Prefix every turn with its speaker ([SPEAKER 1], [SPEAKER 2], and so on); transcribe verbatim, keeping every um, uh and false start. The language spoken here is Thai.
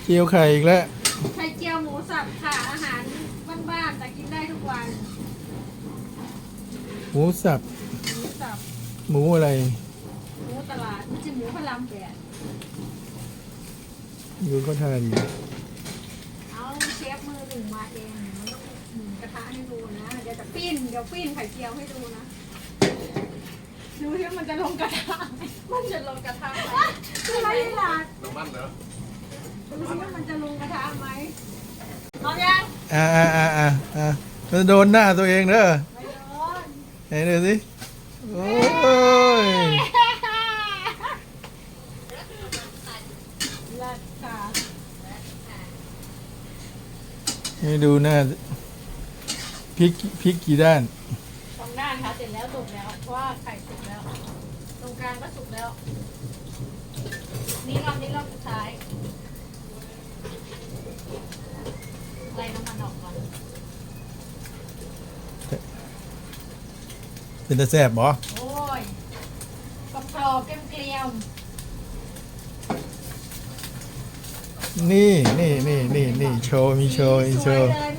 [SPEAKER 1] เจียวไข่อีกแล้ว
[SPEAKER 2] ไข่เจียวหมูสับค่ะอาหารบ้านๆแต่กินได้ทุกวัน
[SPEAKER 1] หมูสับ
[SPEAKER 2] หมูสับ
[SPEAKER 1] หมูอะไร
[SPEAKER 2] หมูตลาดไม่ใช่หมูพะลำแปด
[SPEAKER 1] ดูเขาทานอยู่
[SPEAKER 2] เอาเชฟมือหนึ่งมาเองมันต้องหมุนกระทะให้ดูนะเดี๋ยวจะปิ้นเดี๋ยวปิ้นไข่เจียวให้ดูนะดูที่มันจะลงกระทะไหมมันจะลงกระทะไหมคือไรล่ะ
[SPEAKER 3] น้ำมันเหรอ
[SPEAKER 2] ดูที่ว่ามันจะลงกระทะไหมพร้อมยัง
[SPEAKER 1] อ่าอ่าอ่าอ่าอ่ามันโดนหน้าตัวเองเด้อ
[SPEAKER 2] ไม่โดน
[SPEAKER 1] ไหนดูสิโอ้ย
[SPEAKER 2] เลิศค่ะ
[SPEAKER 1] ให้ดูหน้าพริกพริกกี่ด้าน
[SPEAKER 2] สองด้านค่ะเสร็จแล้วสุกแล้วเพราะว่าไข่สุกแล้ว ตรงกลางก็สุกแล้ว นี่รอบนี้รอบสุดท้ายไล่น้ำมันออกก่อน
[SPEAKER 1] เป็นตาแซ่บบ่
[SPEAKER 2] โอ้ยกรอบกรอบๆเกลียม
[SPEAKER 1] นี่นี่นี่นี่นี่โชว์มีโชว์มี
[SPEAKER 2] ๆ
[SPEAKER 1] โช
[SPEAKER 2] สวย
[SPEAKER 1] ว์
[SPEAKER 2] เลย